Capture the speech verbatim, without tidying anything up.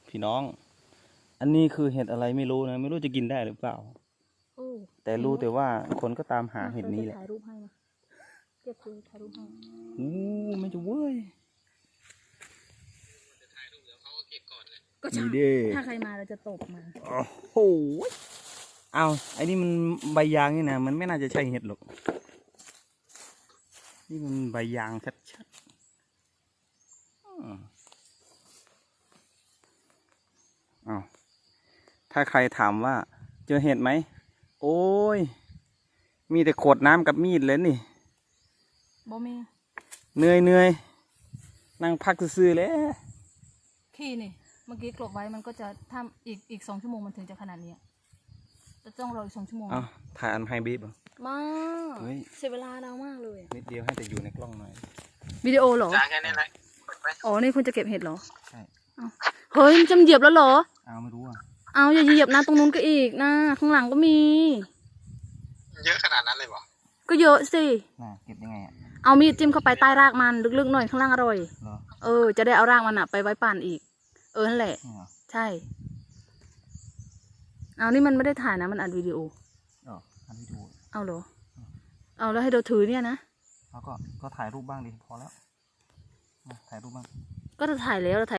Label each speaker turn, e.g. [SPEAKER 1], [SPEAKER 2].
[SPEAKER 1] พี่น้องอันนี้คือเห็ดอะไรไม่รู้นะไม่รู้จะกินได้หรือเปล่าแต่รู้แต่ว่าคนก็ตามหาเห็ดนี้แหละ
[SPEAKER 2] ถ่ายรูปให้มาเก็บเลยถ่ายรูปให้
[SPEAKER 1] อู้ไม่จะเว้ย
[SPEAKER 2] ก็ใช่ถ้าใครมาเราจะตบมัน
[SPEAKER 1] โอ้โหเอาไอ้นี่มันใบยางนี่นะมันไม่น่าจะใช่เห็ดหรอกนี่มันใบยางชัดๆอ้าวถ้าใครถามว่าเจอเห็ดไหมโอ้ยมีแต่ขวดน้ำกับมีดเลยนี่
[SPEAKER 2] บ่มี
[SPEAKER 1] เหนื่อยเหนื่อยนั่งพักซื่อๆเลย
[SPEAKER 2] ขี้นี่เมื่อกี้กลบไว้มันก็จะถ้าอีกอีกสองชั่วโมงมันถึงจะขนาดนี้จะต้องรออีกสองชั่วโมง
[SPEAKER 1] อ้าวถ่ายอันไฮบีบอ่ะ
[SPEAKER 2] มาเสียเวลาเรามากเลย
[SPEAKER 1] นิดเดียวให้แต่อยู่ในกล้องหน่อย
[SPEAKER 2] วิดีโอเหรอ
[SPEAKER 3] จ้าแค่นี้แหละ
[SPEAKER 2] อ๋อนี่คุณจะเก็บเห็ดเหรอ
[SPEAKER 1] ใช่
[SPEAKER 2] เฮ้ยมันจะเหยียบแล้วเหรอ
[SPEAKER 1] เอาไม่รู้อ่ะ
[SPEAKER 2] เอาอย่าเหยียบนะตรงนู้นก็อีกนะข้างหลังก็มี
[SPEAKER 3] เยอะขนาดนั้นเลยเหรอ
[SPEAKER 2] ก็เยอะสิ
[SPEAKER 1] น่าเก็บยังไงอ่ะ
[SPEAKER 2] เอามีดจิ้มเข้าไปใต้รากมันลึกๆหน่อยข้างล่างอร่อย
[SPEAKER 1] เหรอ
[SPEAKER 2] เออจะได้เอารากมันอะไปไว้ปั่นอีกเออนั่นแหละใช่เอานี่มันไม่ได้ถ่ายนะมันอัดวิดีโอ
[SPEAKER 1] อ๋ออัดวิดีโอ
[SPEAKER 2] เอาเหรอเอาแล้วให้เราถือเนี่ยนะ
[SPEAKER 1] แล้วก็ก็ถ่ายรูปบ้างดิพอแล้วถ่ายรูปบ้าง
[SPEAKER 2] ก็จะถ่ายแล้วเราถ่าย